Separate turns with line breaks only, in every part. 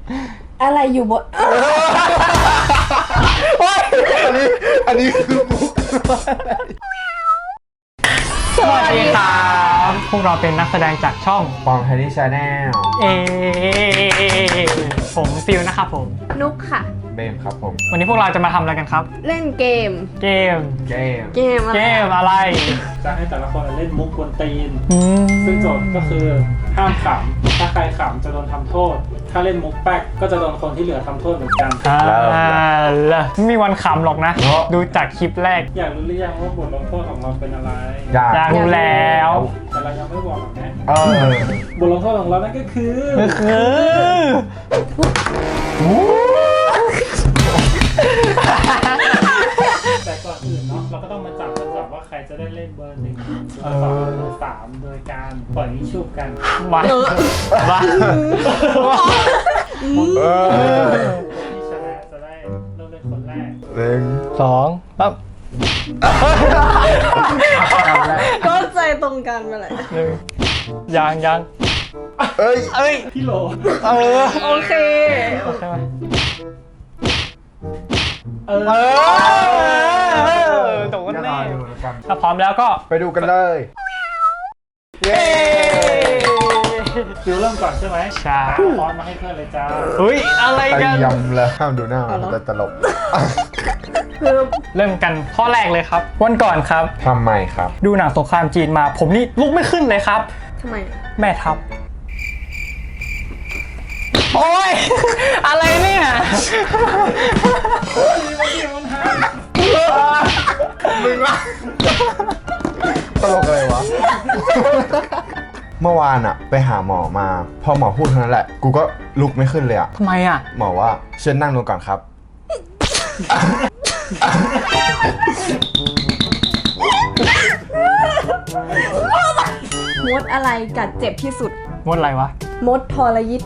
อะไรอยู่บน
อันนี้คือมุก
สวัสดีครับพวกเราเป็นนักแสดงจากช่อง
ปองไทนี่ชาแนล
เอผมฟิลนะครับผม
นุกค่ะ
เบมครับผม
วันนี้พวกเราจะมาทำอะไรกันครับ
เล่นเกม
เกม
เกม
เกมอะไร
เกมอะไร
จะให้แต่ละคนเล่นมุกกวนตีน
อืม
ซึ่งโจทย์ก็คือห้ามขำ ถ้าใครขำจะโดนทำโทษ ถ้าเล่นมุกแป๊กก็จะโดนคนที่เหลือทำโทษเหมือนกัน
แล้วไม่มีวันขำหรอกนะ ดูจากคลิปแรก
อยากรู้หรือยังว่าบทลงโทษของเราเป็นอะไร
อยากรู้แล้ว
แต่เรายังไม่บอกหรอกนะ
เ
บทลงโทษของเรานั่นก็คือ แต่ก่อนอื่นเนาะเราก็ต้องมาจับว่าใครจะได้เล่นเบอร์ 1 เบอร์ 2 เบอร์ 3 โดยการปล่อยนิชุบกัน
มามา
คนที่ชนะจะได้เริ่มเล่นคนแรก
สองปั๊บ
ก็ใจตรงกันไปเลย
หนึ่งยัง
เอ้ย
พี่โหล
โอเค
ใช่ไหม โดนแน่ถ้าพร้อมแล้วก็
ไปดูกันเลย เย้
ฟิวเริ่มก่อนใช่ไหม
ใช่
พร้อมมาให้เพื่อนเลยจ้า
เฮ้ยอะไร
ไอ้
กัน
ยำแล้วห้ามดูหน้ามันจะตลก
คือ
เริ่มกันข้อแรกเลยครับ วันก่อนครับ
ทำไมครับ
ดูหนังสงครามจีนมา ผมนี่ลุกไม่ขึ้นเลยครับ
ทำไม
แม่ทัพโอ้ย อะไรเนี่ย
ตลกอะไรวะ เมื่อวานอะไปหาหมอมา พอหมอพูดเท่านั้นแหละ กูก็ลุกไม่ขึ้นเลยอะ
ทำไมอ่ะ
หมอว่าเชิญนั่งลงก่อนครับ
มดอะไรกัดเจ็บที่สุด
มดอะไรวะ
มดทรยิต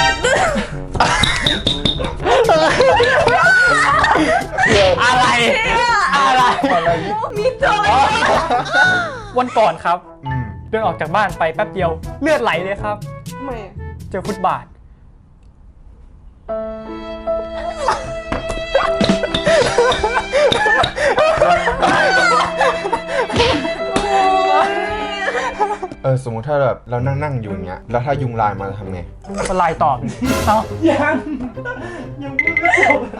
อะไร อะไร
มีตัว
วันก่อนครับ
อืม
เดินออกจากบ้านไปแป๊บเดียว เลือดไหลเลยครับ
ทำไมอะ
เจอฟุตบาท
สมมุติถ้าแบบเรานั่งอยู่อย่างเงี้ย แล้วถ้ายุงลายมาจะทำไง
ก็ไลน์ตอบดิเอ้า
ยังพูดไม่จบ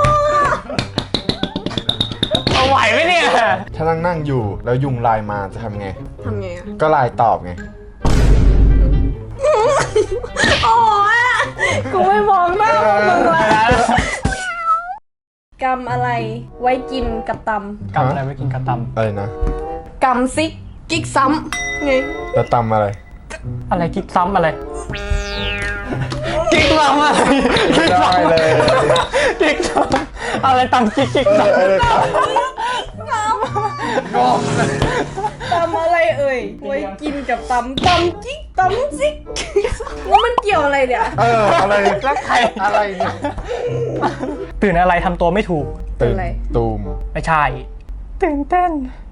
เอาไหวไหมเนี่ย
ถ้านั่งอยู่แล้วยุงลายมาจะทำไง
ทำไงอะ
ก็ลายตอบไง
โอ้ยกูไม่มองหน้ามึงเลยกำอะไรไว้กินกับต
กำอะไรไว้กินกระต
อะไรนะ
ำกำซิกกิ๊กซ้ำไง
แล้วตำอะไร
ำอะไรกิ๊กซ้ำอะไร กิ๊กซ้ำอะไร
ไม่ได้เลย
กิ๊กซ้ำอะไรตังกิ๊กกิ๊กซ้ำ
ตำอะไรเอ่ยไว้กินกับตำกิ๊กตำซิกแล้วมันเกี่ยวอะไรเนี่ย
อะไร
แล้วใคร
อะไรเนี่ย
ตื่นอะไรทำตัวไม่ถูก
ตื่นตูม
ไม่ใช่ ตื่นเต้น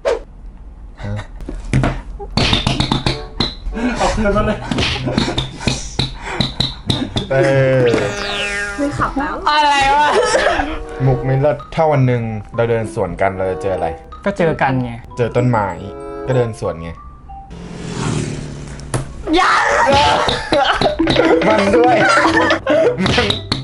เอาคืนมาเลย
ไม่ขับแล้ว
อะไรวะ
มุกไม่เลิศถ้าวันหนึ่งเราเดินสวนกันเราจะเจออะไร
ก็เจอกันไง
เจอต้นไม้ก็เดินสวนไง
ยัง
มันด้วยมัน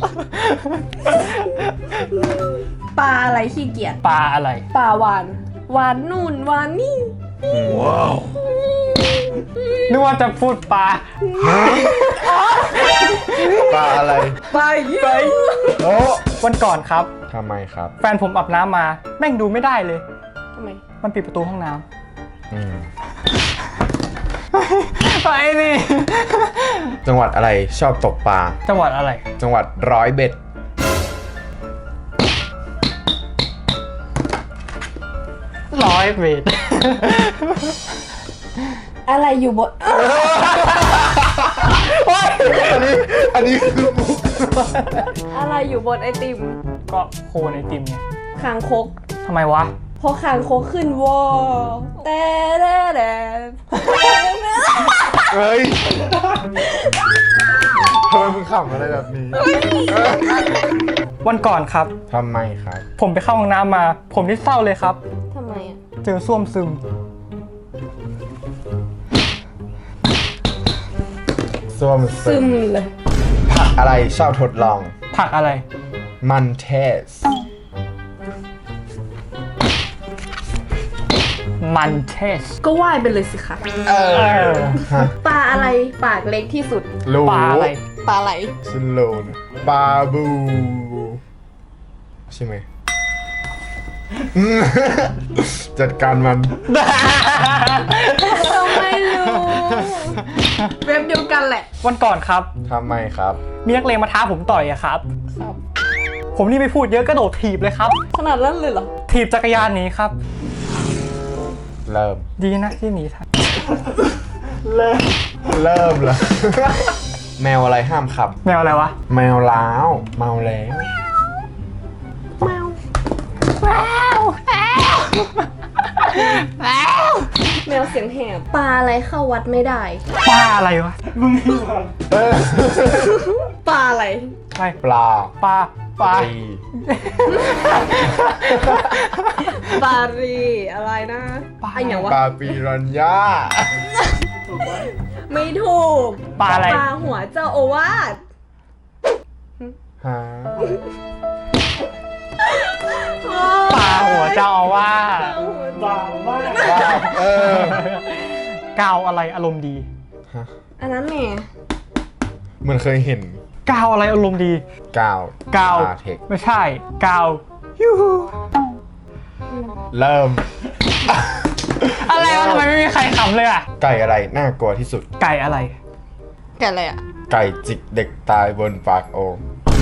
ปลาอะไรขี้เกียจ
ปลาอะไร
ปลาหวานหวานนู่นหวานนี่
ว้าว
นึกว่าจะพูดปลา
ปลาอะไร
ไป
โอ้
วันก่อนครับ
ทำไมครับ
แฟนผมอาบน้ำมา แม่งดูไม่ได้เลย
ทำไม
มันปิดประตูห้องน้
อืม
ำ ไปนี่
จังหวัดอะไรชอบตกปลา
จังหวัดอะไร
จังหวัดร้อยเบ็ด
100 เมตร
อะไรอยู่บน
อันนี้คือมุก
อะไรอยู่บนไอติม
ก็โคนไอติมไง
คางคก
ทำไมวะ
พอคางคกขึ้นวอแต่แต่
เฮ้ยทำไมมึงขำอะไรแบบนี้
วันก่อนครับ
ทำไมครับ
ผมไปเข้าห้องน้ำมา ผมนี่เศร้าเลยครับ
ทำไมอ่ะ
เจอส้วมซึม
ส้วม
ซึมเลย
ผักอะไรชอบทดลอง
ผักอะไร
มันเทส
มันเทส
ก็ว่ายไปเลยสิคะ
เออ
ฮะ
ปลาอะไรปากเล็กที่สุด
รู้
ปลาอะไร
ปลาไหล
ฉันรู้นะปลาบูใช่ไหมอืม จัดการมัน
เราไม่รู้เว็บเดียวกันแหละ
วันก่อนครับ
ทำไมครับ
มีนักเลงมาท้าผมต่อยอะครับ ผมนี่ไม่พูดเยอะกระโดดถีบเลยครับ
ขนาดนั้นเลยเหรอ
ถีบจักรยานหนีครับ
เริ่ม
ดีนะที่หนีทัน
เริ่มเลย แมวอะไรห้ามขับ
แมวอะไรวะ
แมวล้าวเมาแล้ว
แมวเสียงแหบปลาอะไรเข้าวัดไม่ได้
ปลาอะไรวะ
มึงนี่ก่อน
เออ
ปลาอะไร
ไป
ปลา
ปลาปลา
ปี
ปลารีอะไรนะไอ้อย่างวะ
ปลาปีรัญญา
ถูกไหม
ไม่ถูก
ปลาอะไร
ปลาหัวเจ้าโอวาท
ฮะ
ปลาหัวเจ้าอาวาส
บางมาก
เออก
าวอะไรอารมณ์ดี
ฮะ
อันนั้นแหม่
เหมันเคยเห็น
กาวอะไรอารมณ์ดี
กาว
กาว
ลเทค
ไม่ใช่ กาวยูฮู
เริ่ม
อะไรวะทำไมไม่มีใครขำเลยอ่ะ
ไก่อะไรน่ากลัวที่สุด
ไก่อะไร
แกอะไรอ่ะ
ไก่จิกเด็กตายบนปากโอ่ง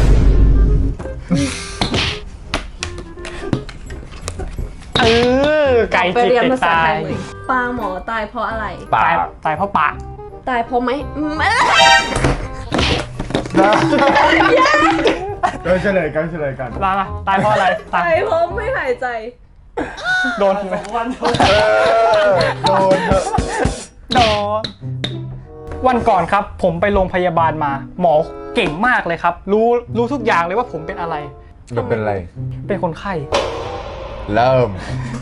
เออ ไก่
ไป
จิก
เรียน
เด็ก
ภาษา
ตา
ไท
ย
ยเลยปลาหมอตายเพราะอะไร
ปา
ตาย
ก
ตายเพราะปาก
ตายเพราะไหม
ก็เฉลยกัน
ลาละตายเพราะอะไร ตาย
ตายเพราะไม่หายใจ
โดนไหม
วันโดน
เออโดนเถอะ
โดนวันก่อนครับ ผมไปโรงพยาบาลมา หมอเก่งมากเลยครับ รู้ทุกอย่างเลยว่าผมเป็นอะไร
มันเป็นไร
เป็นคนไข้
เริ่ม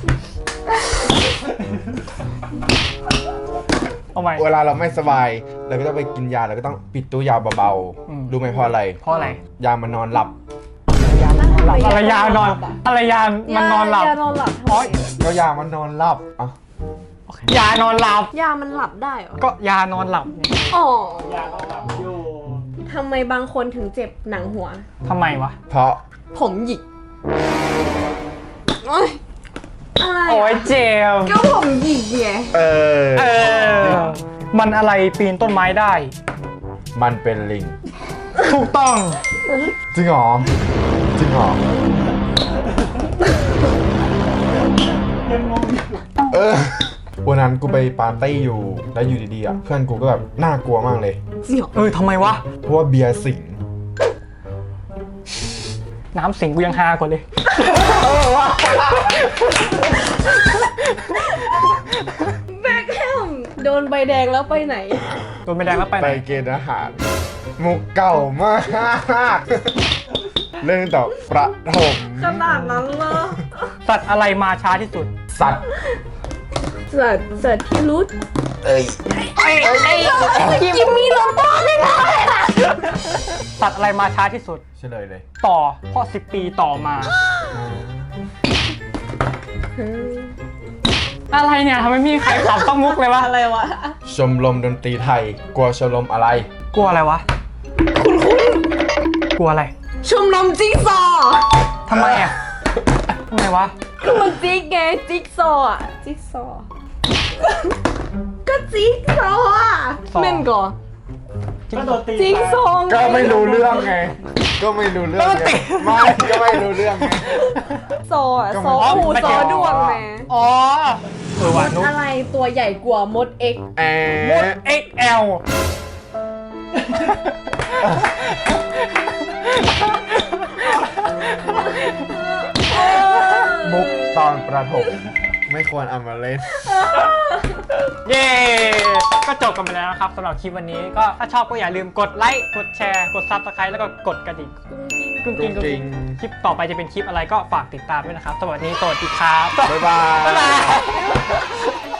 เอาใหม่
เวลาเราไม่สบายเราก็ต้องไปกินยาเราก็ต้องปิดตู้ยาเบา
อืม
ๆรู้ไหมเพราะอะไร
เพราะอะไร
ยามันนอนหลับ
อะไรยานอนอะไรยานมันนอนหลับ
ยานอนหลับ
อ๋อ
ก็ยามันนอนหลับอ่ะ
ยานอนหลับ
ยามันหลับได้เหรอ
ก็ยานอนหลับเนี่ย
อ๋อ
อยากเอาหลับอยู่
ทำไมบางคนถึงเจ็บหนังหัว
ทำไมวะ
เพราะ
ผมหยิกโอ๊ยอะไร
โอ้ย
อะ
เจ็บ
ก็ผมหยิกไง
เออ
เออ มันอะไรปีนต้นไม้ได้
มันเป็นลิง
ถูกต้อง
จริงเหรอ
ยังงงอยู่
เออวันนั้นกูไปปาร์ตี้อยู่แล้วอยู่ดีๆอ่ะเพื่อนกูก็แบบน่ากลัวมากเลย
เสี่ยว
เออทำไมวะ
เพราะว่าเบียร์สิง
น้ำสิงกูยังฮากว่าเลย
แบ็คแฮมโดนใบแดงแล้วไปไหน
โดนไม่แดงแล้วไปไห
ไป
น
เกณฑ์อาหาร มุกเก่ามากเรื่องต่อประถม
ขนาดนั้นเหรอ
สัตว์อะไรมาช้าที่สุด
สัตว์
เสิร์ชที่รู้
เอ้ย
กิมมี่โรบอทเลยนะ
สัตว์อะไรมาช้าที่สุด
เฉลยเลย
ต่อเพราะ10 ปีต่อมา อะไรเนี่ยทำไมไม่มีใครขำต้องมุกเลยวะ
อะไรวะ
ชมรมดนตรีไทย กลัวชมรมอะไร
กลัวอะไรวะ กลัวอะไร
ชมรมจิ๊กซอว์
ทำไมอ่ะทำไมวะ
ก็มันจิ๊กไงจิ๊กซอว์อะจิ๊กซอว์ก็จิ๊กซอว์อะ
ซอว์
เม่นก่อน
ก็โดนตี
จิ๊กซอว์ง
ก็ไม่รู้เรื่องไง ก็ไม่รู้เรื่องไงไม่ก็ไม่รู้เรื่องไง
ซอว์อะ
ก็
ซ
มัน
อว์คู่
ไม่
ซ
เกี่
อ
ยว
ว์ดวงแหม
อ๋อเออ
ม
ว่ะ
ด
นุ๊ก
อะไรตัวใหญ่กว่ามดเอ็ก
แอ
มด XL
มุกตอนประถม ไม่ควรเอามาเล่น
เย้ก็จบกันไปแล้วนะครับสำหรับคลิปวันนี้ก็ถ้าชอบก็อย่าลืมกดไลค์กดแชร์กด Subscribe แล้วก็กดกระดิ่งกุ้งกิ้งคลิปต่อไปจะเป็นคลิปอะไรก็ฝากติดตามด้วยนะครับสวัสดีครับ
บ๊ายบาย